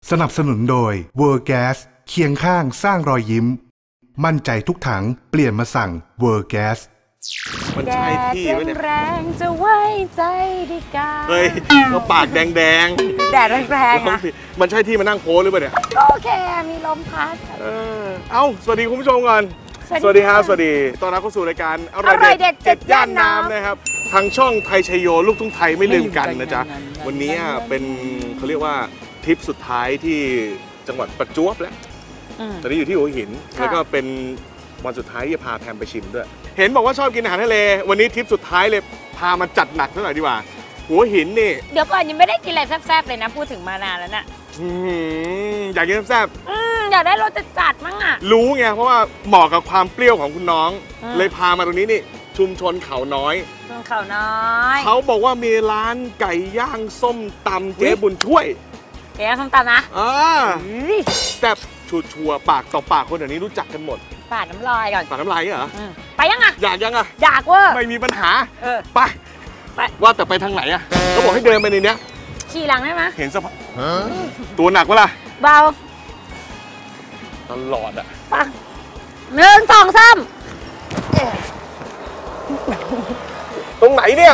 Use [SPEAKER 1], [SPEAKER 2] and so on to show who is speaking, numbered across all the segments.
[SPEAKER 1] สนับสนุนโดย World Gas เคียงข้างสร้างรอยยิ้มมั่นใจทุกถังเปลี่ยนมาสั่ง World Gas
[SPEAKER 2] มันใช่ที่ไหมเนี่ย
[SPEAKER 3] แดดจะไว้ใจดีกา
[SPEAKER 2] เฮ้ยก็ปากแดง
[SPEAKER 3] แดดแรงๆอะ
[SPEAKER 2] มันใช่ที่มานั่งโพสหรือเปล่าเนี่ย
[SPEAKER 3] ก็โอเคมีลมพัด
[SPEAKER 2] สวัสดีคุณผู้ชมก่อนสวัสดีครับสวัสดีต้อนรับเข้าสู่รายการอร่อยเด็ด7 ย่านน้ำนะครับทางช่องไทยชัยโยลูกทุ่งไทยไม่ลืมกันนะจ๊ะวันนี้เป็นเขาเรียกว่าทริปสุดท้ายที่จังหวัดประจวบแล้วตอนนี้อยู่ที่หัวหินแล้วก็เป็นวันสุดท้ายที่จะพาแพมไปชิมด้วยเห็นบอกว่าชอบกินอาหารทะเลวันนี้ทริปสุดท้ายเลยพามาจัดหนักซะหน่อยดีกว่าหัวหินนี่
[SPEAKER 3] เดี๋ยวก่อนยังไม่ได้กินอะไรแซ่บๆเลยนะพูดถึงมานานแล้วน่ะ
[SPEAKER 2] อยากกินแซ่บ
[SPEAKER 3] อยากได้รสจัดๆมั้งอ่ะ
[SPEAKER 2] รู้ไงเพราะว่าเหมาะกับความเปรี้ยวของคุณน้องเลยพามาตรงนี้นี่ชุมชนเขาน้อยเขาบอกว่ามีร้านไก่ย่างส้มตำเจ๊บุญช่วย
[SPEAKER 3] ไก่ย่างส้มตำนะ
[SPEAKER 2] แซ่บชัวร์ปากต่อปากคนเดี๋ยวนี้รู้จักกันหมด
[SPEAKER 3] ปาดน้ำลายก่อน
[SPEAKER 2] ปาดน้ำลายเหรอ
[SPEAKER 3] ไปยังอ่ะ
[SPEAKER 2] อยากยังอ่ะ
[SPEAKER 3] อยากเว้ย
[SPEAKER 2] ไม่มีปัญหาไปว่าแต่ไปทางไหนอ่ะเขาบอกให้เดินไปในนี้
[SPEAKER 3] ขี่หลังได้ไหม
[SPEAKER 2] เห็นสภาพตัวหนักวะล่ะ
[SPEAKER 3] เบา
[SPEAKER 2] ตลอดอ่ะ
[SPEAKER 3] ไป1 2 3
[SPEAKER 2] ตรงไหนเนี่ย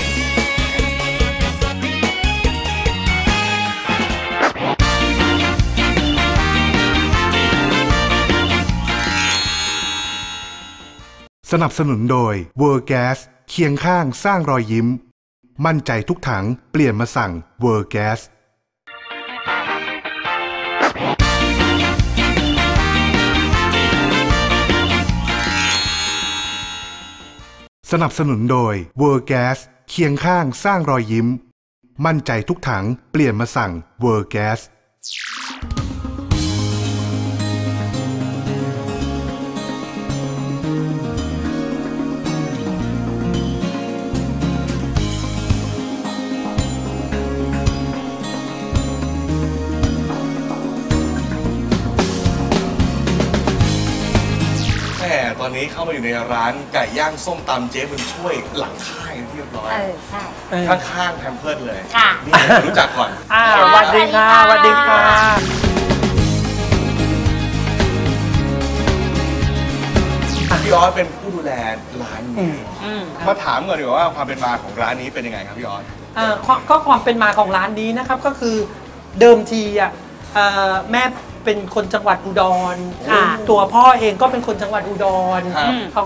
[SPEAKER 1] สนับสนุนโดย World Gas เคียงข้างสร้างรอยยิ้มมั่นใจทุกถังเปลี่ยนมาสั่ง World Gas สนับสนุนโดย World Gas เคียงข้างสร้างรอยยิ้มมั่นใจทุกถังเปลี่ยนมาสั่ง World Gas
[SPEAKER 2] ตอนนี้เข้ามาอยู่ในร้านไก่ย่างส้มตำเจ๊บุญช่วยหลังค่ายเรียบร้อยข้างๆแพมเพิร์สเลยนี่รู้จักก่อน
[SPEAKER 4] สวัสดีค่ะสวัสดีค่ะ
[SPEAKER 2] พี่ออสเป็นผู้ดูแลร้านนี้มาถามก่อนดีกว่าว่าความเป็นมาของร้านนี้เป็นยังไงครับพี่ออส
[SPEAKER 4] ก็ความเป็นมาของร้านนี้นะครับก็คือเดิมทีแม่เป็นคนจังหวัดอุดรตัวพ่อเองก็เป็นคนจังหวัดอุดรเขา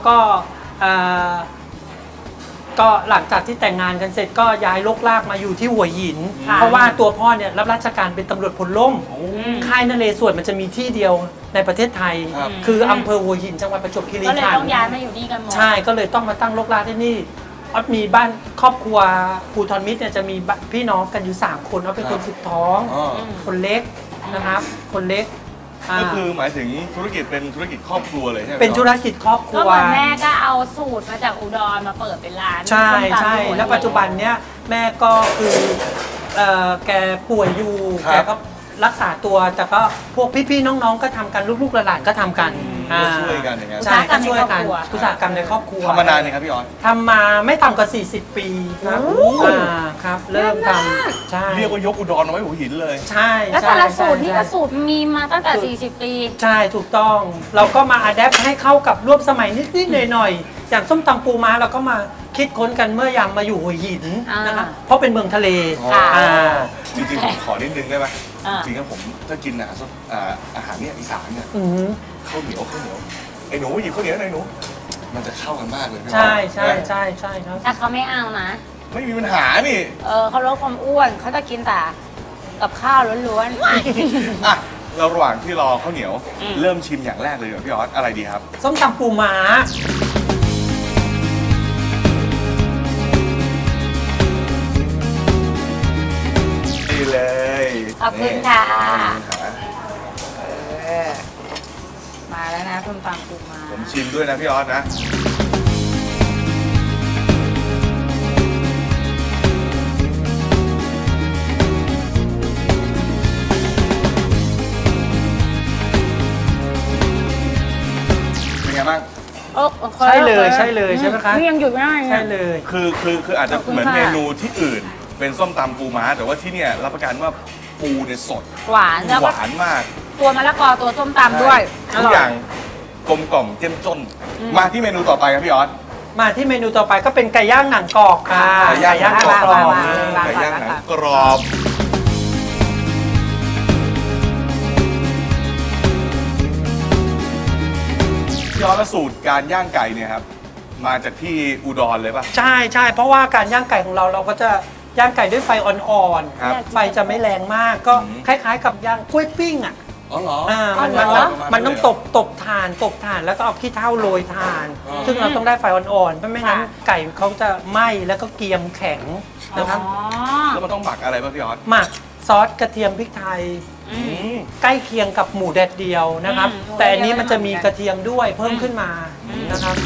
[SPEAKER 4] ก็หลังจากที่แต่งงานกันเสร็จก็ย้ายลกลากมาอยู่ที่หัวหินเพราะว่าตัวพ่อเนี่ยรับราชการเป็นตำรวจพลล่มค่ายนเรศวรมันจะมีที่เดียวในประเทศไทยคืออำเภอหัวหินจังหวัดประจวบคีรีขันธ์
[SPEAKER 3] ก็เลยต้องย้ายมาอยู่นี่กันหมด
[SPEAKER 4] ใช่ก็เลยต้องมาตั้งลกลากที่นี่ออสมีบ้านครอบครัวภูทรมิตรเนี่ยจะมีพี่น้องกันอยู่3 คนออสเป็นคนสุดท้องคนเล็กนะครับคนเล็ก
[SPEAKER 2] ก็คือหมายถึงธุรกิจเป็นธุรกิจครอบครัวเลยใช่ไหม
[SPEAKER 4] เป็นธุรกิจครอบครัว
[SPEAKER 3] ก็เหมือนแม่ก็เอาสูตรมาจากอุดรมาเปิดเป็นร้าน
[SPEAKER 4] ใช่ใช่แล้วปัจจุบันเนี้ยแม่ก็คือแกป่วยอยู่แกก็รักษาตัวแต่ก็พวกพี่ๆน้องๆก็ทำกันลูกๆหลานๆก็ทำกัน
[SPEAKER 2] ช่วยกันอย่างเงี้ย
[SPEAKER 4] ใช่ก็ช่วยกันอุตสาหกรรมในครอบครัว
[SPEAKER 2] ทำมานานเลยครับพี่ออส
[SPEAKER 4] ทำมาไม่ต่ำกว่า40 ปีครับครับเริ่มทำใช่
[SPEAKER 2] เรียกว่ายกอุดรเอาไว้หัวหินเลย
[SPEAKER 4] ใช่
[SPEAKER 3] แล้วแต่ละสูตรนี่ก็สูตรมีมาตั้งแต่40 ปี
[SPEAKER 4] ใช่ถูกต้องเราก็มาอัดแอปให้เข้ากับร่วมสมัยนิดๆหน่อยๆอย่างส้มตำปูม้าเราก็มาคิดค้นกันเมื่อยามมาอยู่หัวหินนะครับเพราะเป็นเมืองทะเล
[SPEAKER 2] จริงๆผมขอนิดนึงได้ไหมจริงๆผมถ้ากินอาหารเนี่ยอีสานเนี่ยข้าวเหนียวไอ้หนูหยิบข้าวเหนียวหน่อยหนูมันจะเข้ากันมากเลย
[SPEAKER 4] ใช่ใช่ใช่ใช่ครับ
[SPEAKER 3] แต่เขาไม่เอานะ
[SPEAKER 2] ไม่มีปัญหานี่
[SPEAKER 3] เขาลดความอ้วนเขาจะกินแต่กับข้าวล้วน
[SPEAKER 2] ๆเราระหว่างที่รอข้าวเหนียวเริ่มชิมอย่างแรกเลยพี่ออสอะไรดีครับ
[SPEAKER 4] ส้มตำปูม้า
[SPEAKER 2] เลย
[SPEAKER 3] ขอบคุณค่ะมาแล้วนะส้มตำปูม้า
[SPEAKER 2] ผมชิมด้วยนะพี่ออสนะเป็นไงบ้าง
[SPEAKER 4] ใช่เลยใช่เลยใช่ไหมคะ
[SPEAKER 3] นี่ยังหยุดไม่ได้
[SPEAKER 4] ใช่เลย
[SPEAKER 2] คืออาจจะเหมือนเมนูที่อื่นเป็นส้มตำปูม้าแต่ว่าที่เนี่ยรับประกันว่าปูเนี่ยสด
[SPEAKER 3] หวานแล้ว
[SPEAKER 2] ห
[SPEAKER 3] ก็
[SPEAKER 2] วานมาก
[SPEAKER 3] ตัวมะละกอตัวส้มตำด้วยอ
[SPEAKER 2] ทุก
[SPEAKER 3] ร่อ
[SPEAKER 2] อย ย่างกลมกล่อมเจ้มจนมาที่เมนูต่อไปครับพี่ออส
[SPEAKER 4] มาที่เมนูต่อไปก็เป็นไก่ย่างหนังกรอบค่ะ
[SPEAKER 2] ไก่ย่างหนังกรอบ
[SPEAKER 3] ไก่ย่างหนัง
[SPEAKER 2] กรอบพี่ออสสูตรการย่างไก่เนี่ยครับมาจากที่อุดรเลยป่ะ
[SPEAKER 4] ใช่ใช่เพราะว่าการย่างไก่ของเราก็จะย่างไก่ด้วยไฟอ่อน
[SPEAKER 2] ครับ
[SPEAKER 4] ๆไฟจะไม่แรงมากก็คล้ายๆ กับย่างกล้วยปิ้งอ่ะ
[SPEAKER 2] อ๋อเหรอ
[SPEAKER 4] มันต้องตบถ่านแล้วก็เอาขี้เถ้าโรยถ่าน ซึ่งเราต้องได้ไฟอ่อนๆไม่งั้นไก่เขาจะไหม้แล้วก็เกรียมแข็งนะครับ
[SPEAKER 2] แล้วมันต้องหมักอะไรป่ะพี่ออส
[SPEAKER 4] หมักซอสกระเทียมพริกไทยใกล้เคียงกับหมูแดดเดียวนะครับ แต่อันนี้มันจะมีกระเทียมด้วยเพิ่มขึ้นมานะครับ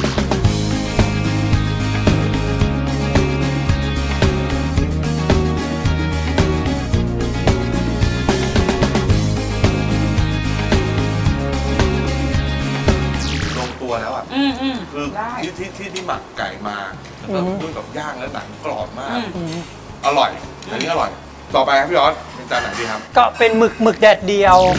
[SPEAKER 2] แล้วอ่ะคือที่หมักไก่มาแล้วก็ด้วยกับย่างแล้วหนังกรอบมากอร่อยอันนี้อร่อยต่อไปครับพี่ออสเป็นจานไหนดีครับ
[SPEAKER 4] ก็เป็นหมึกแดดเดียว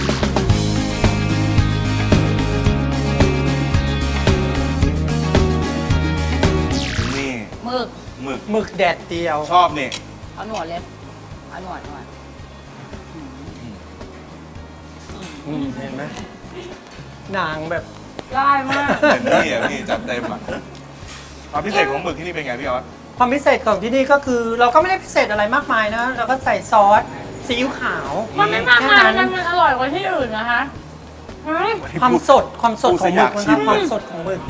[SPEAKER 2] นี่หมึก
[SPEAKER 4] แดดเดียว
[SPEAKER 2] ชอบนี่
[SPEAKER 3] เอาหนวดเลยเอาหนวด
[SPEAKER 4] เห็นไหมหนังแบบ
[SPEAKER 3] ได้มาก
[SPEAKER 2] เห็นนี่อ่ะพี่จัดเต็มอ่ะความพิเศษของหมึกที่นี่เป็นไงพี่ออส
[SPEAKER 4] ความพิเศษของที่นี่ก็คือเราก็ไม่ได้พิเศษอะไรมากมายนะเราก็ใส่ซอสซีอิ๊วขาว
[SPEAKER 3] มันไม่มากมายมันอร่อยกว่าที่อื่นนะคะ
[SPEAKER 4] ความสดของหมึกนะครับความสดของหมึก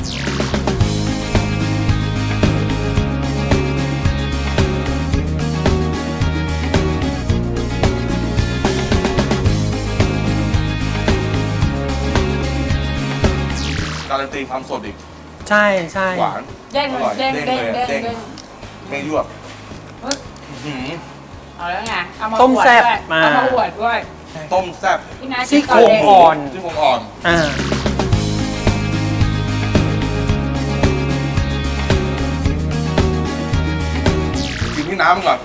[SPEAKER 2] การันตีความสดอีก
[SPEAKER 4] ใช่ใช่
[SPEAKER 2] หวาน
[SPEAKER 3] เด้งเลยเด้ง
[SPEAKER 2] ไม่ยวบ
[SPEAKER 3] เอาแล้วไงเอามา
[SPEAKER 4] ต้มแซ่บมา
[SPEAKER 3] เอามาอวดด้วย
[SPEAKER 2] ต้มแซ่บ
[SPEAKER 4] ซี่โครงอ่อน
[SPEAKER 2] กินที่น้ำก่อน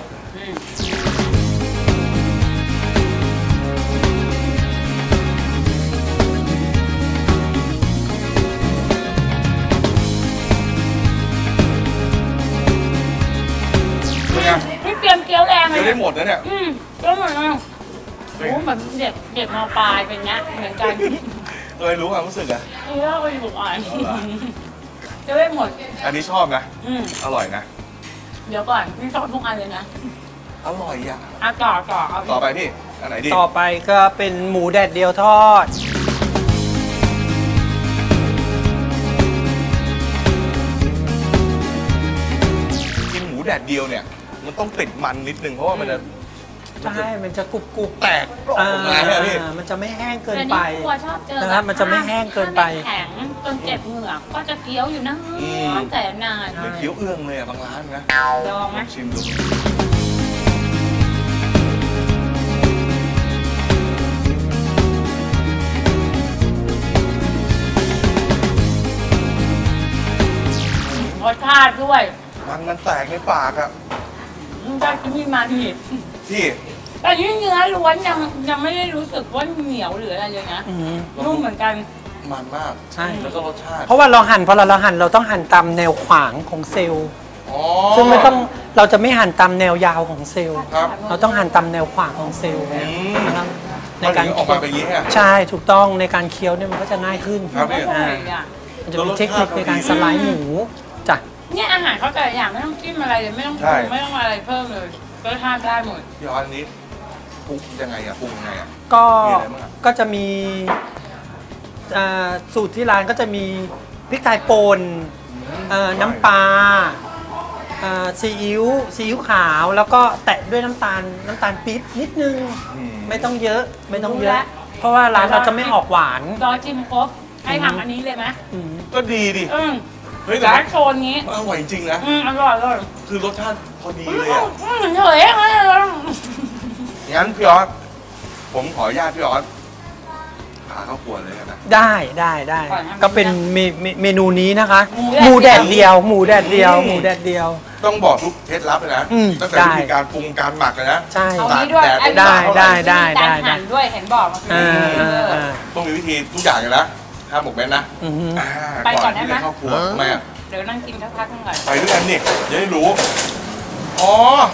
[SPEAKER 3] พี่เตรียมเกี๊ยวแรงเลย
[SPEAKER 2] ได้หมดนะเนี่ย
[SPEAKER 3] ก็เหมือนโอ้เหมือนเด็กม.ปลายเป็นเงี้ยเหมือนกัน
[SPEAKER 2] เลยรู้ความรู้สึกอะ
[SPEAKER 3] เออก็อยู่อ่านจะได้หมด
[SPEAKER 2] อันนี้ชอบนะอร่อยนะ
[SPEAKER 3] เดี๋ยวก่อนพี่ชอบทุกอันเลยนะ
[SPEAKER 2] อร่อยอ่ะ
[SPEAKER 3] ต่
[SPEAKER 2] อไปพี่อันไหนดี
[SPEAKER 4] ต่อไปก็เป็นหมูแดดเดียวทอด
[SPEAKER 2] กินหมูแดดเดียวเนี่ยมันต้องติดมันนิดนึงเพราะว่ามันจะ
[SPEAKER 4] ใช่มันจะกรุบ
[SPEAKER 2] แตกออกมาใช่ไหมพี่
[SPEAKER 4] มันจะไม่แห้งเกินไป
[SPEAKER 3] นะครับ
[SPEAKER 4] มันจะไม่แห้งเกินไป
[SPEAKER 3] แข็งจนเจ็บเหงือกก็จะเคี้ยวอยู่นะแต่นาน
[SPEAKER 2] เคี้ยวเอื้องเลยบางร้านนะ
[SPEAKER 3] ลองไหม
[SPEAKER 2] ชิมดู
[SPEAKER 3] รสชาติด้วย
[SPEAKER 2] มันแตกในปากอ่ะ
[SPEAKER 3] ได้ที่มาดี
[SPEAKER 2] ที่
[SPEAKER 3] แต่นี่เนื้อล้วนยังไม่ได้รู้สึกว่าเหนียวหรืออะไรเลยนะนุ่มเหมือนกัน
[SPEAKER 2] มันมากใช่แล้วก็รสชาติ
[SPEAKER 4] เพราะว่าเราหั่นพอเราหั่นเราต้องหั่นตามแนวขวางของเซลล์ซึ่งเราจะไม่หั่นตามแนวยาวของเซลล์เราต้องหั่นตามแนวขวางของเซลล์นะครับ
[SPEAKER 2] ในการออกมาเป็นอย่างนี้
[SPEAKER 4] ใช่ถูกต้องในการเคี้ยวเนี่ยมันก็จะง่ายขึ้นมันจะมีเทคนิคในการสไลด์หมูจ้ะ
[SPEAKER 3] เนี่ยอาหารเขาแต่อย่างไม่ต้องจิ้มอะไรเลยไม่ต้องปรุงไม่ต้องอะไรเพิ่มเลยก็ทานได้หมด
[SPEAKER 2] พี่ออสนี้ปรุงยังไงอะปรุงยังไงอะ
[SPEAKER 4] ก็จะมีสูตรที่ร้านก็จะมีพริกไทยป่นน้ำปลาซีอิ๊วขาวแล้วก็แตะด้วยน้ำตาลปี๊บนิดนึงไม่ต้องเยอะเพราะว่าร้านเราจะไม่ออกหวาน
[SPEAKER 3] รอจิ้มครบให้ทำอันนี้เลยไหม
[SPEAKER 2] ก็ดีดิ
[SPEAKER 3] เฮ้ยแต่โชนงี้
[SPEAKER 2] อร่อยจริงนะ
[SPEAKER 3] อร่อย
[SPEAKER 2] คือรสชาติพอดีเลยอ่ะ
[SPEAKER 3] เฉยเลย
[SPEAKER 2] งั้นพี่ออสผมขออนุญาตพี่ออสพาเข้าครัวเลยนะ
[SPEAKER 4] ได้ก็เป็นเมนูนี้นะคะหมูแดดเดียว
[SPEAKER 2] ต้องบอกทุกเคล็ดลับเลยนะตั้งแต่วิธีการปรุงการหมักเลยนะ
[SPEAKER 4] ใช่
[SPEAKER 3] เอานี้ด้วย
[SPEAKER 4] ได้
[SPEAKER 3] การหั่นด้วยเห็นบอกมา
[SPEAKER 2] ต้องมีวิธีทุกอย่างเลยนะห้ามหมกเม็ดนะ
[SPEAKER 3] ไปก่อนได้ไหม
[SPEAKER 2] ครอบครัวทำไมอ่ะ
[SPEAKER 3] เดี๋ยวนั่งกินสักพักนึงก่อน
[SPEAKER 2] ไปด้วยกันนี่จะได้รู้อ๋อ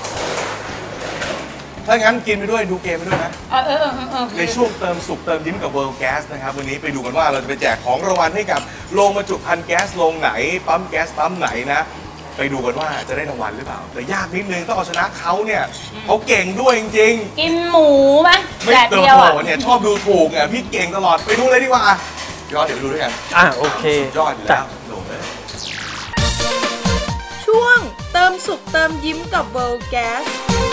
[SPEAKER 2] ถ้างั้นกินไปด้วยดูเกมไปด้วยนะในช่วงเติมสุขเติมยิ้มกับ World Gas นะครับวันนี้ไปดูกันว่าเราจะไปแจกของรางวัลให้กับโรงบรรจุภัณฑ์แก๊สโรงไหนปั๊มแก๊สปั๊มไหนนะไปดูกันว่าจะได้รางวัลหรือเปล่าแต่ยากนิดนึงต้องเอาชนะเขาเนี่ยเขาเก่งด้วยจริง
[SPEAKER 3] ๆกินหมูไหม
[SPEAKER 2] ไม่เติมโผล่เนี่ยชอบดูถูกเนี่ยพี่เก่งตลอดไปดูเลยดีกว่าย้อนเดี๋ยวไปดูด้วยกัน
[SPEAKER 4] โอเค
[SPEAKER 2] ยอดอยู่แล้วโดดเลย
[SPEAKER 5] ช่วงเติมสุขเติมยิ้มกับ World Gas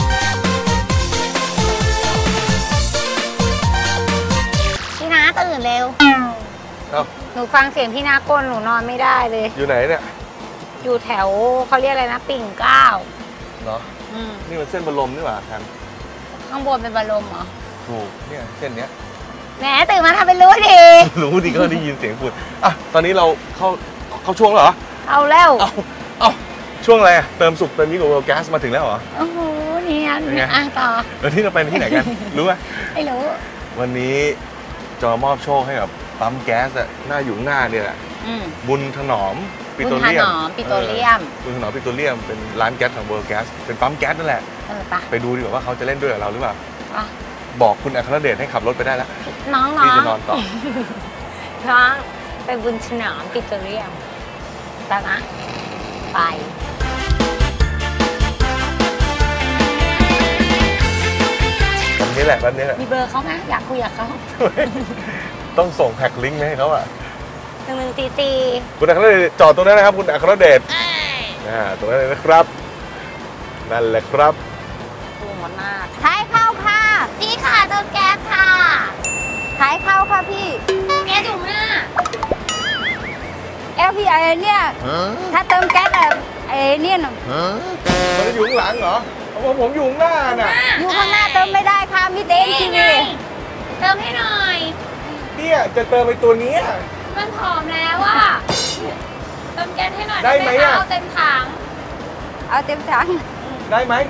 [SPEAKER 6] พี่น้าตื่นเร็วหนูฟังเสียงพี่น้ากลหนูนอนไม่ได้เลย
[SPEAKER 2] อยู่ไหนเนี่ย
[SPEAKER 6] อยู่แถวเขาเรียกอะไรนะปิ่นเกล้า
[SPEAKER 2] เนาะนี่มันเส้นบรมนี่หว่าครับ
[SPEAKER 6] ข้างบนเป็นบรมเหรอ
[SPEAKER 2] ถูกเนี่ยเส้นเนี้ย
[SPEAKER 6] แหมตื่นมาทำเป็นรู้ดี
[SPEAKER 2] รู้ดีก็ได้ยินเสียงพูดตอนนี้เราเข้าช่วงเหรอ
[SPEAKER 6] เอาแล้ว
[SPEAKER 2] ช่วงอะไรเติมสุขเติมยิ้มกับ World Gas มาถึงแล้วเหรอ
[SPEAKER 6] โอ้โหเนี่ยต่อ
[SPEAKER 2] แล้วที่เราไปที่ไหนกันรู้ไหม
[SPEAKER 6] ไม่รู้
[SPEAKER 2] วันนี้จะมอบโชคให้กับปั๊มแก๊สหน้าอยู่หน้าเนี่ยแหละบุญถนอม
[SPEAKER 6] ปิโตรเลียมบุญถนอมปิโตรเ
[SPEAKER 2] ลียมเป็นร้านแก๊สของ World Gas เป็นปั๊มแก๊สนั่นแหละไปดูดีกว่าว่าเขาจะเล่นด้วยกับเราหรือเปล่าบอกคุณอัครเดชให้ขับรถไปได้แล้ว
[SPEAKER 6] น้อง
[SPEAKER 2] พี่จะนอนต่อ
[SPEAKER 6] น้องไปบุญถนอมปิโตรเลียมไปนะไป
[SPEAKER 2] วันนี้แหละวันนี้แหละ
[SPEAKER 6] มีเบอร์เขาไหมอยากคุยกับเขา
[SPEAKER 2] ต้องส่งแพ็คลิงก์ให้เขา
[SPEAKER 6] 1144
[SPEAKER 2] คุณอัครเดชจอดตรงนั้นนะครับคุณอัครเดชตรงนั้นเลยนะครับนั่นแหละครับ
[SPEAKER 6] ปูหมดหน้าท้ายเข้าค่ะพี่ค่ะเติมแก๊สค่ะท้ายเข้าค่ะพี่แก๊สอยู่หน้าพี่ไอเนี่ยถ้าเติมแก๊สไอเนี่ย
[SPEAKER 2] มันจะอยู่ข้างหลังเหรอผมอยู่ข้างหน้าน่ะ
[SPEAKER 6] อยู่ข้างหน้าเติมไม่ได้ค่ะมีเต็มทีวีเติมให้หน่อย
[SPEAKER 2] เนี่ยจะเติมไปตัวนี้
[SPEAKER 6] มันผอมแล้วอ่ะเติมแก๊สให้หน่อยได้ไหมเอาเต็มถัง
[SPEAKER 2] ได้ไหม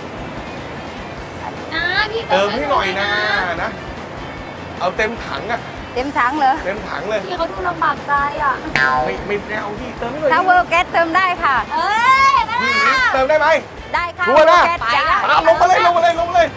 [SPEAKER 6] นะพี่
[SPEAKER 2] เติมให้หน่อยนะเอาเต็มถังอะ
[SPEAKER 6] เต็มถังเหรอ
[SPEAKER 2] เต็มถังเลย
[SPEAKER 6] พี่เขาดูลำบากใจอ่ะ
[SPEAKER 2] ไม่เอาพี่เติมไม่เลย
[SPEAKER 6] ถ้าเวอร์แก๊สเติมได้ค่ะ
[SPEAKER 2] เติมได้ไหม
[SPEAKER 6] ได้ค่ะ
[SPEAKER 2] ชัวร์นะลงมาเลยเร็วลงมาล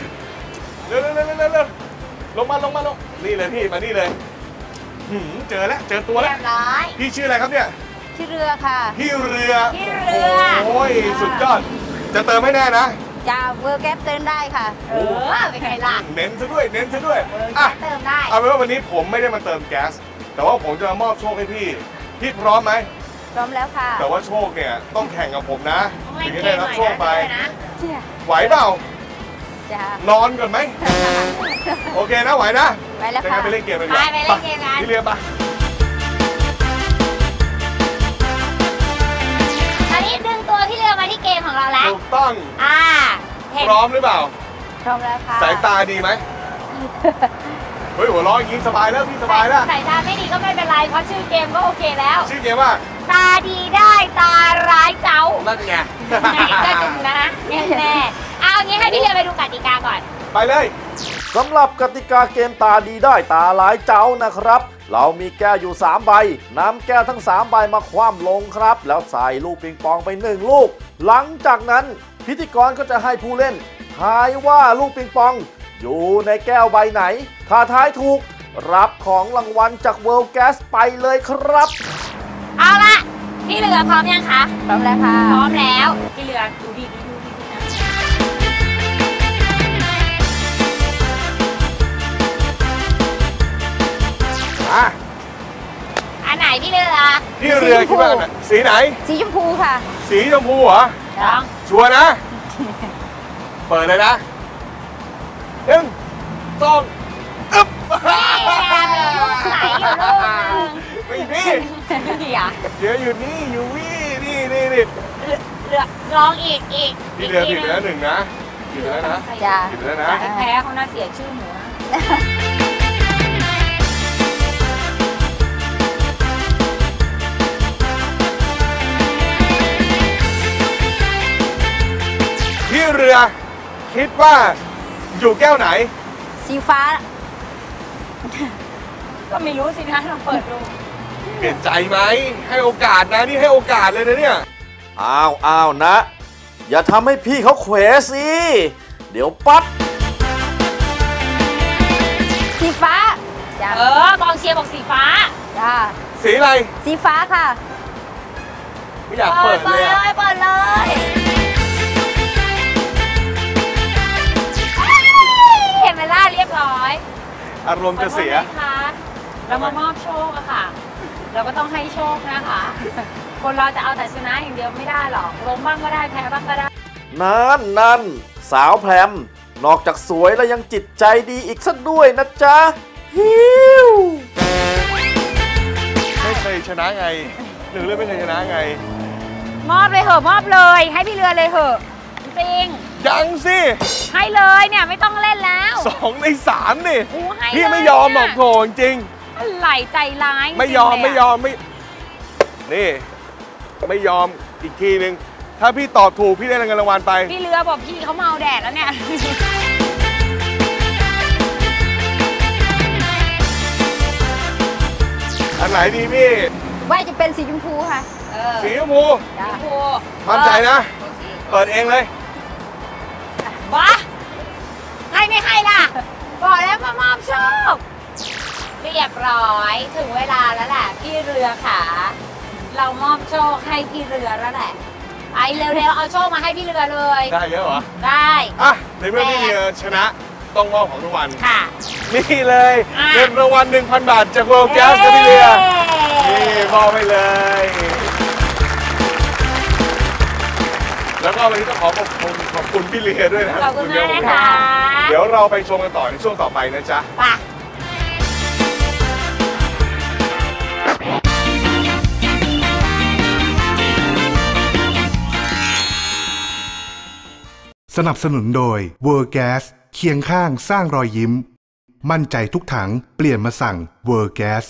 [SPEAKER 2] งนี่เลยพี่มานี่เลยเจอแล้วเจอตัวแล้วพี่ชื่ออะไรครับเนี่ย
[SPEAKER 6] ชื่อเรือค่ะ
[SPEAKER 2] พี่เรือโอ้ยสุดยอดจะเติมให้แน่นะ
[SPEAKER 6] จะเวอร์แก๊สเติมได้ค่ะเป็นไงล่ะ
[SPEAKER 2] เน้นซะด้วยเ
[SPEAKER 6] ติมได้
[SPEAKER 2] เอาเป็นว่าวันนี้ผมไม่ได้มาเติมแก๊สแต่ว่าผมจะมามอบโชคให้พี่พร้อมไหม
[SPEAKER 6] พร้อมแล้วค่ะ
[SPEAKER 2] แต่ว่าโชคเนี่ยต้องแข่งกับผมนะถึงจะได้รับโชคไปไหวเปล่านอนก่อนไหมโอเคนะไหวนะ
[SPEAKER 6] ไปแล้วค่ะ
[SPEAKER 2] ไปเล่นเกมกัน
[SPEAKER 6] ไปเล่นเกมกัน
[SPEAKER 2] พี่เรือปะ
[SPEAKER 6] ตอนนี้ดึงตัวพี่เรือมาที่เกมของเราแล้ว
[SPEAKER 2] ถูกต้องพร้อมหรือเปล่า
[SPEAKER 6] พร้อมแล้วค่ะ
[SPEAKER 2] สายตาดีไหมเฮ้ยหัวเราะอย่างนี้สบายแล้วพี่สบายแล้ว
[SPEAKER 6] สายตาไม่ดีก็ไม่เป็นไรเพราะชื่อเกมก็โอเคแล้ว
[SPEAKER 2] ชื่อเกมว่า
[SPEAKER 6] ตาดีได้ตาร้ายเจ้า
[SPEAKER 2] นั่นไง
[SPEAKER 6] ก็จริงนะแน่เอางี้ให้พี่เรือไปดูกติกาก่อน
[SPEAKER 2] ไปเลย
[SPEAKER 7] สำหรับกติกาเกมตาดีได้ตาร้ายเจ้านะครับเรามีแก้วอยู่3ใบนำแก้วทั้ง3ใบมาคว่ำลงครับแล้วใส่ลูกปิงปองไป1ลูกหลังจากนั้นพิธีกรก็จะให้ผู้เล่นทายว่าลูกปิงปองอยู่ในแก้วใบไหนถ้าทายถูกรับของรางวัลจาก World Gas ไปเลยครับ
[SPEAKER 6] เอาละพี่เรือพร้อมยังคะพร้อมแล้วค่ะพร้อมแล้วพี่เรือดูดีนะอันไหนพี่เรือ
[SPEAKER 2] คิดว่าสีไหน
[SPEAKER 6] สีชมพูค่ะ
[SPEAKER 2] สีชมพูเหรอชัวร์นะเปิดเลยนะ1 2อึ๊บ
[SPEAKER 6] ลูกไหนอยู่ลูก
[SPEAKER 2] ไม่มีเดี๋ยวอยู่นี่อยู่นี่เ
[SPEAKER 6] รือลองอีก
[SPEAKER 2] พี่เรือผิดไปแล้ว1นะผิดไปแล้วนะ
[SPEAKER 6] แพ้เขาน่าเสียชื่อหมู
[SPEAKER 2] เรือคิดว่าอยู่แก้วไหน
[SPEAKER 6] สีฟ้า
[SPEAKER 3] ก็ไม่รู้สินะลองเปิดดู
[SPEAKER 2] เปลี่ยนใจไหมให้โอกาสนะนี่ให้โอกาสเลยนะเนี่ย
[SPEAKER 7] อ้าวนะ อย่าทำให้พี่เขาเขวสิเดี๋ยวปั๊บ
[SPEAKER 6] สีฟ้าจ้ะ
[SPEAKER 3] กองเชียร์บอกสีฟ้า
[SPEAKER 6] จ้า
[SPEAKER 2] สีอะไร
[SPEAKER 6] สีฟ้าค่ะ
[SPEAKER 2] ไม่อยากเปิดเลยอะ
[SPEAKER 6] เปิดเลย
[SPEAKER 3] เห็นไหมล่ะเรียบร้อย
[SPEAKER 2] อารมณ์จะเสีย
[SPEAKER 3] ขอโทษนะคะเรามามอบโชคอะค่ะ เราก็ต้องให้โชคนะคะ คนเราจะเอาแต่ชนะอย่างเดียวไม่ได้หรอกล้มบ้างก็ได้แพ้บ้างก็ได้
[SPEAKER 7] นั่นสาวแพรมนอกจากสวยแล้วยังจิตใจดีอีกซะด้วยนะจ๊ะฮิว
[SPEAKER 2] ไม่เคยชนะไงหนึ่งเรื่องไม่เคยชนะไง
[SPEAKER 3] มอบเลยเหอะมอบเลย ให้พี่เรือเลยเหอะจริง
[SPEAKER 2] ยังสิ
[SPEAKER 3] ให้เลยเนี่ยไม่ต้องเล่นแล้ว
[SPEAKER 2] 2 ใน 3นี่
[SPEAKER 3] โอ้ให้
[SPEAKER 2] พี่
[SPEAKER 3] เลย
[SPEAKER 2] ไม่ยอมหรอกโถจริง
[SPEAKER 3] อะไรใจร้าย
[SPEAKER 2] ไม่ยอม
[SPEAKER 3] จริงๆ
[SPEAKER 2] ไม่ยอมไม่นี่ไม่ยอมอีกทีนึงถ้าพี่ตอบถูกพี่ได้เงินรางวัลไป
[SPEAKER 3] พี่เรือบอกพี่เขาเมาแดดแล้วเนี่ย
[SPEAKER 2] อันไหนดีพี่
[SPEAKER 6] ว่าจะเป็นสีชมพูค่ะ
[SPEAKER 2] สีชมพู
[SPEAKER 6] จ้า
[SPEAKER 3] โอ้
[SPEAKER 2] มั่นใจนะ เปิดเองเลย
[SPEAKER 3] บ้าให้ไม่ให้ล่ะ บอกแล้วมามอบโชค เรียบร้อยถึงเวลาแล้วแหละพี่เรือขาเรามอบโชคให้พี่เรือแล้วแหละไอเร็วๆเอาโชคมาให้พี่เรือเลย
[SPEAKER 2] ได้เยอะเหรอ
[SPEAKER 3] ได้
[SPEAKER 2] อ่ะในเมื่อพี่เรือชนะต้องมอบของรางวัล
[SPEAKER 3] ค่ะ
[SPEAKER 2] นี่เลย
[SPEAKER 3] อ่ะ
[SPEAKER 2] เงินรางวัล 1,000 บาทจาก World Gas ครับพี่เรือนี่มอบไปเลย แล้วก็วันนี้ต้องขอบคุณพี่เรือด้วยนะ
[SPEAKER 3] ขอบคุณมากนะคะ
[SPEAKER 2] เดี๋ยวเราไปชมกันต่อในช่วงต่อไปนะจ๊ะ
[SPEAKER 3] ไป
[SPEAKER 1] สนับสนุนโดย World Gas เคียงข้างสร้างรอยยิ้ม มั่นใจทุกถังเปลี่ยนมาสั่ง World Gas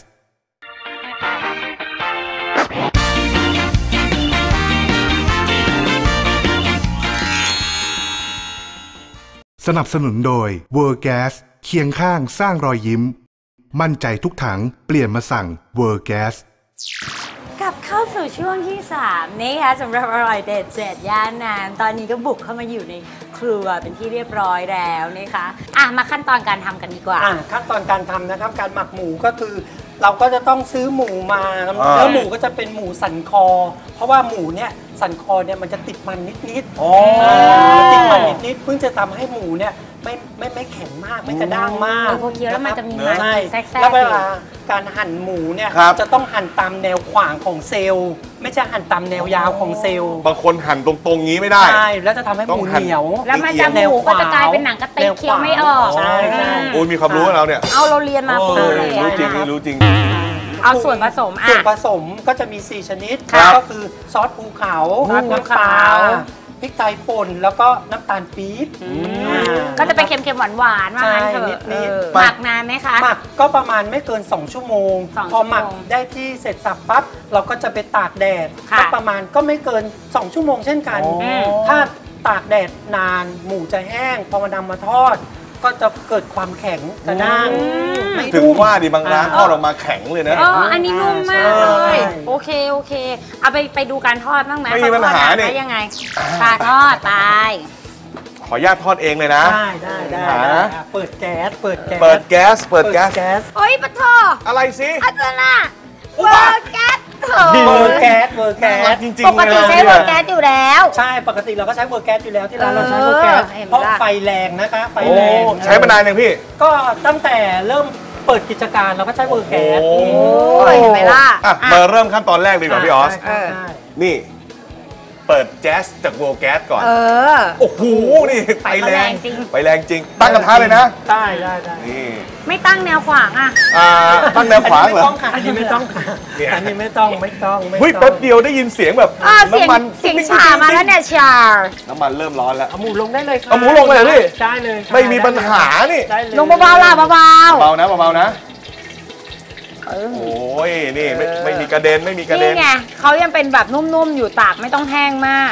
[SPEAKER 1] สนับสนุนโดย World Gas เคียงข้างสร้างรอยยิ้ม มั่นใจทุกถังเปลี่ยนมาสั่ง World Gas
[SPEAKER 3] กลับเข้าสู่ช่วงที่ 3 นี่ค่ะสำหรับอร่อยเด็ด7ย่านน้ำตอนนี้ก็บุกเข้ามาอยู่ในครัวเป็นที่เรียบร้อยแล้วนะคะมาขั้นตอนการทำกันดีกว่า
[SPEAKER 4] ขั้นตอนการทำนะครับการหมักหมูก็คือ เราก็จะต้องซื้อหมูมา
[SPEAKER 2] อ่า
[SPEAKER 4] แล้วหมูก็จะเป็นหมูสันคอ เพราะว่าหมูเนี่ยสันคอเนี่ยมันจะติดมันนิดๆติดมันนิดๆเพิ่งจะทำให้หมูเนี่ยไม่แข็งมากไม่กระด้างมาก
[SPEAKER 3] พอเคี้ยวแล้วมันจะมีมัน
[SPEAKER 4] ใช่
[SPEAKER 3] แทรกๆ
[SPEAKER 4] แล้วเวลาการหั่นหมูเนี่ย
[SPEAKER 2] ครับ
[SPEAKER 4] จะต้องหั่นตามแนวขวางของเซลล์ ไม่ใช่หั่นตามแนวยาวของเซลล์
[SPEAKER 2] บางคนหั่นตรงๆงี้ไม่ได้
[SPEAKER 4] ใช่แล้วจะทำให้หมูเหนียว
[SPEAKER 3] แล้วมันจะหมูก็จะกลายเป็นหนังกระติกเคี้ยวไม่ออก
[SPEAKER 4] ใช่ใช่
[SPEAKER 2] โอ้ยมีความรู้กับเราเนี่ย
[SPEAKER 3] เอาเราเรียนมาฟูเลย
[SPEAKER 2] รู้จริง
[SPEAKER 3] อะ
[SPEAKER 2] รู้จริง
[SPEAKER 3] เอาส่วนผสม
[SPEAKER 4] ส่วนผสมก็จะมี 4 ชนิด
[SPEAKER 2] ครับ
[SPEAKER 4] ก็คือซอสภูเขา
[SPEAKER 3] ซอสภู
[SPEAKER 4] น้ำปลา
[SPEAKER 3] เขา
[SPEAKER 4] พริกไทยป่นแล้วก็น้ำตาลปี๊บ
[SPEAKER 3] ก็จะเป็นเค็มๆหวานๆว่างั้นเถอะ
[SPEAKER 4] ใช่นิดๆ
[SPEAKER 3] หมักนานไหมคะ
[SPEAKER 4] หมักก็ประมาณไม่เกิน 2 ชั่วโมง
[SPEAKER 3] 2
[SPEAKER 4] พอหมัก
[SPEAKER 3] ชั่วโมง
[SPEAKER 4] ได้ที่เสร็จสับปั๊บเราก็จะไปตากแดด
[SPEAKER 3] ค่ะ
[SPEAKER 4] ก็ประมาณก็ไม่เกิน 2 ชั่วโมงเช่นกัน ถ้าตากแดดนานหมูจะแห้งพอมานำมาทอด ก็จะเกิดความแข็งกระด้างไม่
[SPEAKER 2] ถึง
[SPEAKER 4] นุ่ม
[SPEAKER 2] ว่าดิบางร้านทอดออกมาแข็งเลยนะ
[SPEAKER 3] อันนี้นุ่มมากเลย
[SPEAKER 4] ใช่
[SPEAKER 3] โอเคเอาไปดูการทอดบ้างไหม
[SPEAKER 2] ไม่มีปัญหา
[SPEAKER 3] เขทอด
[SPEAKER 2] นี่
[SPEAKER 3] ได้ยังไงปลาทอดไป
[SPEAKER 2] ขออนุญาตทอดเองเลยนะ
[SPEAKER 4] ได้
[SPEAKER 2] หา
[SPEAKER 4] เปิดแก๊สเปิดแก๊ส
[SPEAKER 2] เปิดแก๊ส เปิดแก๊ส
[SPEAKER 3] โอ้ยปะทอ
[SPEAKER 2] อะไรสิ
[SPEAKER 3] อาจารย์น่ะ
[SPEAKER 2] อุ๊
[SPEAKER 3] เว
[SPEAKER 2] บ
[SPEAKER 3] อ
[SPEAKER 2] อะ
[SPEAKER 3] ร์แก๊สเถ
[SPEAKER 4] เวอ
[SPEAKER 3] อะ
[SPEAKER 4] ร์แก๊สเวอร์แก๊
[SPEAKER 2] น่ารั
[SPEAKER 4] ส
[SPEAKER 2] กจริง
[SPEAKER 3] ป
[SPEAKER 2] ๆ
[SPEAKER 3] กติใช้เวอร์แก๊สอยู่แล้ว
[SPEAKER 4] ใช่ปกติเราก็ใช้เวอร์แก๊สอยู่แล้วที่ร้านเราใช้เวอร์แก๊ส
[SPEAKER 3] เห็นไหม
[SPEAKER 4] เพราะ
[SPEAKER 3] ล่ะ
[SPEAKER 4] ไฟแรงนะคะไฟ
[SPEAKER 2] โอ้
[SPEAKER 4] แรง
[SPEAKER 2] ใช้มานานยังพี่
[SPEAKER 4] ก็ตั้งแต่เริ่มเปิดกิจการเราก็ใช้เวอร์แก๊ส
[SPEAKER 2] โอ้
[SPEAKER 3] โอ้ยเห็นไหมล่ะ
[SPEAKER 2] อ่ะมาเริ่มขั้นตอนแรกดีกว่าพี่ออส
[SPEAKER 4] ใช่ใช่
[SPEAKER 2] นี่ เปิดแก๊สจากโวลแก๊สก่อน
[SPEAKER 3] อ
[SPEAKER 2] โอ้โห นี่ไฟแรง
[SPEAKER 3] ไฟแรงจริง
[SPEAKER 2] ไฟแรงจริง ตั้งกระทะเลยนะ
[SPEAKER 4] ได้
[SPEAKER 2] นี่
[SPEAKER 3] ไม่ตั้งแนวขวางอ่ะ
[SPEAKER 2] ตั้งแนวขวางเหรอ
[SPEAKER 4] อันนี้ไม่ต้องค่ะ
[SPEAKER 2] เนี่ย
[SPEAKER 4] อันนี้ไม่ต้อง
[SPEAKER 2] เฮ้ยแป๊บเดียวได้ยินเสียงแบบ
[SPEAKER 3] เสียง
[SPEAKER 2] น้ำมัน
[SPEAKER 3] เสียงฉามาแล้วเนี่ยชา
[SPEAKER 2] น้ำมันเริ่มร้อนแล้ว
[SPEAKER 4] เอาหมูลงได้เลยค่ะ
[SPEAKER 2] เอาหมูลงเลยเหรอพี่
[SPEAKER 4] ได้เลยค่ะ
[SPEAKER 2] ไม่มีปัญหานี่
[SPEAKER 4] ได้เลย
[SPEAKER 3] ลงเบาๆล่ะเบา
[SPEAKER 2] เบานะเบาๆนะ โอ้ย นี่ไม่มีกระเด็นไม่มีกระ
[SPEAKER 3] ๆ
[SPEAKER 2] เด็
[SPEAKER 3] นี่
[SPEAKER 2] น
[SPEAKER 3] ไงเขายังเป็นแบบนุ่มๆอยู่ตากไม่ต้องแห้งมาก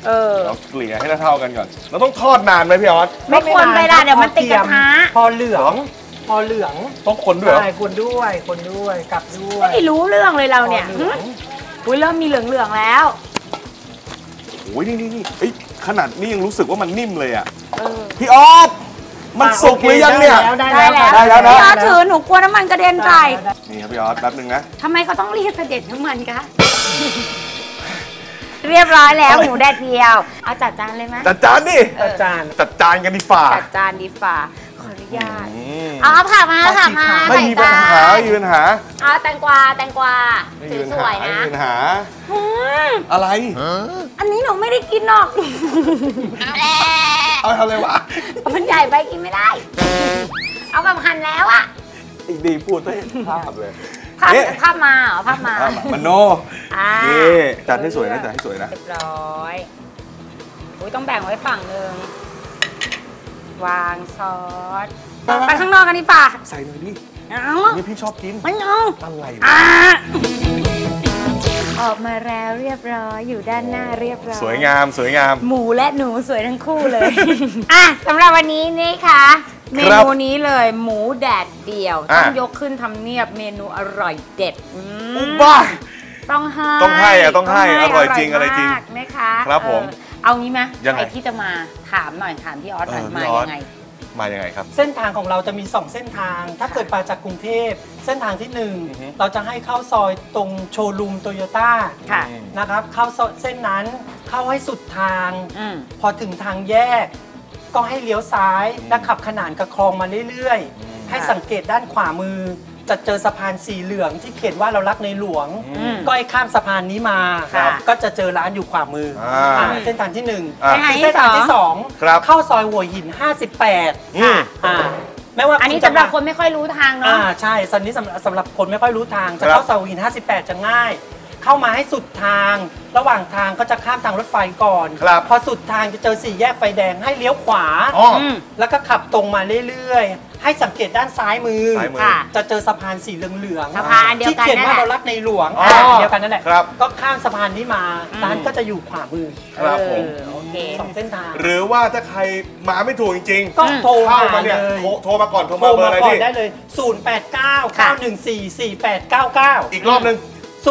[SPEAKER 2] เราเกลี่ยให้เท่ากันก่อนเราต้องทอดนานไหมพี่ออส
[SPEAKER 3] ไม่ควรไปละเดี๋ยวมันติดกระทะ
[SPEAKER 4] พอเหลือง
[SPEAKER 2] ต้องคนด้วย
[SPEAKER 4] ใช่คนด้วยกลับด้วย
[SPEAKER 3] ไม่รู้เรื่องเลยเราเนี่ยอุ้ยเริ่มมีเหลืองๆแล้ว
[SPEAKER 2] โอ้ยนี่ขนาดนี้ยังรู้สึกว่ามันนิ่มเลยอ่ะพี่ออสมันสุกหรือยังเนี่ย
[SPEAKER 4] ได้แล้วนะ
[SPEAKER 3] พี่ออสถือหนูกลัวน้ำมันกระเด็นใส่
[SPEAKER 2] นี่ครับพี่ออสแป๊บนึงนะ
[SPEAKER 3] ทำไมเขาต้องเรียกเสด็จน้ำมันคะเรียบร้อยแล้วหมูแดดเดียวเอาจัดจานเลยไหม
[SPEAKER 2] จัดจานดิจัดจานกันดีฝ่า
[SPEAKER 3] จัดจานดีฝ่าขออนุญาตเอาผักมา
[SPEAKER 2] ไม่มีปัญหา
[SPEAKER 3] เอาแตงกวาสวยๆนะ
[SPEAKER 2] ไม่มีปัญหาอะไร
[SPEAKER 3] อันนี้หนูไม่ได้กินหรอก
[SPEAKER 2] เอาทำอะไรวะ
[SPEAKER 3] มันใหญ่ไปกินไม่ได้เอาแบบหั่นแล้วอ่ะ
[SPEAKER 2] อีกดีพูดให้ภาพเลย
[SPEAKER 3] ภาพมา
[SPEAKER 2] มันโนนี่จัดให้สวยนะเรียบร้อย
[SPEAKER 3] ต้องแบ่งไว้ฝั่งนึงวางซอสไปข้างนอกกันดีป่ะ
[SPEAKER 2] ใส่หน่อยดิ
[SPEAKER 3] นี่
[SPEAKER 2] พี่ชอบกิน
[SPEAKER 3] ไม่เอา
[SPEAKER 2] อะไร
[SPEAKER 3] ออกมาแล้วเรียบร้อยอยู่ด้านหน้าเรียบร้อย
[SPEAKER 2] สวยงาม
[SPEAKER 3] หมูและหนูสวยทั้งคู่เลยสำหรับวันนี้นี่ค่ะเมนูนี้เลยหมูแดดเดียวต้องยกขึ้นทำเนียบเมนูอร่อยเด็ด
[SPEAKER 2] บ้า
[SPEAKER 3] ต้องให้
[SPEAKER 2] อร่อยจริงอะไรจริง
[SPEAKER 3] นะคะ
[SPEAKER 2] ครับผม
[SPEAKER 3] เอางี้ไหมใครที่จะมาถามพี่ออสหน่อยมา
[SPEAKER 2] ยังไงครับ
[SPEAKER 4] เส้นทางของเราจะมี2เส้นทางถ้าเกิดมาจากกรุงเทพเส้นทางที่1เราจะให้เข้าซอยตรงโชว์รูมโตโยต้านะครับเข้าเส้นนั้นเข้าให้สุดทางพอถึงทางแยกก็ให้เลี้ยวซ้ายและขับขนานกับคลองมาเรื่อยๆให้สังเกตด้านขวามือจะเจอสะพานสีเหลืองที่เขียนว่าเรารักในหลวงก็ให้ข้ามสะพานนี้มาก็จะเจอร้านอยู่ขวามือเส้นทางที่1เส้นทางที่2เข้าซอยหัวหิน58แม้ว่า
[SPEAKER 3] อันนี้สำหรับคนไม่ค่อยรู้ทางเนาะ
[SPEAKER 4] ใช่ตอนนี้สำหรับคนไม่ค่อยรู้ทางจะเข้าซอยหัวหิน58จะง่ายเข้ามาให้สุดทางระหว่างทางก็จะข้ามทางรถไฟก่อนพอสุดทางจะเจอ4แยกไฟแดงให้เลี้ยวขวาแล้วก็ขับตรงมาเรื่อยๆให้สังเกตด้านซ้ายมือจะเจอสะพานสีเหลืองๆที่เขียนว่าเรารักในหลวงเดียวกันนั่นแหละก็ข้ามสะพานนี้มาร้านก็จะอยู่ขวามือ
[SPEAKER 2] ครับผม
[SPEAKER 4] 2เส้นทาง
[SPEAKER 2] หรือว่าถ้าใครมาไม่ถูกจริง
[SPEAKER 4] ๆก็โทรมา
[SPEAKER 2] เนี่ยโทรมาก่อนโทรมาเบอร์อะไร
[SPEAKER 4] ได้เลย0899144899
[SPEAKER 2] อีกรอบนึง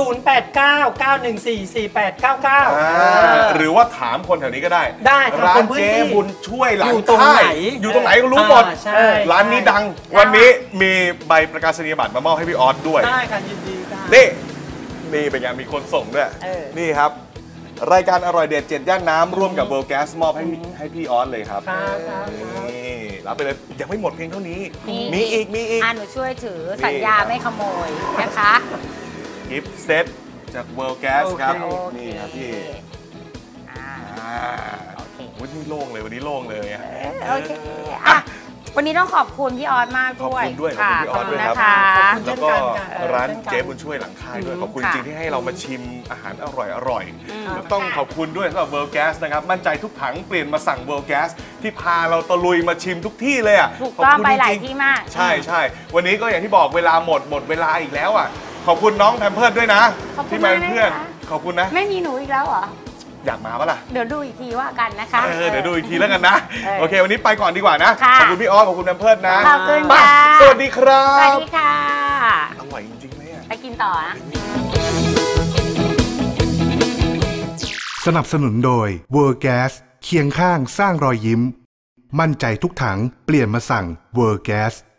[SPEAKER 4] 0899144899
[SPEAKER 2] หรือว่าถามคนแถวนี้ก็ได้ร้านเจ๊บุญช่วยหลังค่ายอยู่ตรงไหนก็รู้หมดร้านนี้ดังวันนี้มีใบประกาศนียบัตรมามอบให้พี่ออสด้วย
[SPEAKER 4] ได้ค่ะยินดีค่ะ
[SPEAKER 2] นี่เป็นไงมีคนส่งด้วยนี่ครับรายการอร่อยเด็ด7ย่านน้ำร่วมกับ World Gas มอบให้พี่ออสเลยครับนี่รับไปเลยยังไม่หมดเพียงเท่านี้มีอีก
[SPEAKER 3] หนูช่วยถือสัญญาไม่ขโมยนะคะ
[SPEAKER 2] กิฟต์เซตจาก World Gas ครับนี่ครับพี่วันนี้โล่งเลยวันนี้โล่งเลย
[SPEAKER 3] โอเควันนี้ต้องขอบคุณพี่ออสมากด้วย
[SPEAKER 2] ขอบคุณพี่ออสด้วยครับแล้วก็ร้านเจ๊บุญช่วยหลังค่ายด้วยขอบคุณจริงที่ให้เรามาชิมอาหารอร่อยต้องขอบคุณด้วยสำหรับ World Gas นะครับมั่นใจทุกถังเปลี่ยนมาสั่ง World Gas ที่พาเราตะลุยมาชิมทุกที่เลย
[SPEAKER 3] ถูกต้องไปหลายที่มาก
[SPEAKER 2] ใช่วันนี้ก็อย่างที่บอกเวลาหมดเวลาอีกแล้วขอบคุณน้องแพมเพิร์ดด้วยนะที่มาเป็นเพื่อนขอบคุณนะ
[SPEAKER 3] ไม่มีหนูอีกแล้วเหรอ
[SPEAKER 2] อยากมาปะล่ะ
[SPEAKER 3] เดี๋ยวดูอีกทีว่ากันนะคะ
[SPEAKER 2] เดี๋ยวดูอีกทีแล้วกันนะโอเควันนี้ไปก่อนดีกว่านะขอบคุณพี่ออสขอบคุณแพมเพิร์ดนะ
[SPEAKER 3] ขอบคุณค่ะ
[SPEAKER 2] สวัสดีครับ
[SPEAKER 3] สวัสดีค่ะ
[SPEAKER 2] อร่อยจริงๆเลย
[SPEAKER 3] ไปกินต่อนะ
[SPEAKER 1] สนับสนุนโดย World Gas เคียงข้างสร้างรอยยิ้มมั่นใจทุกถังเปลี่ยนมาสั่ง World Gas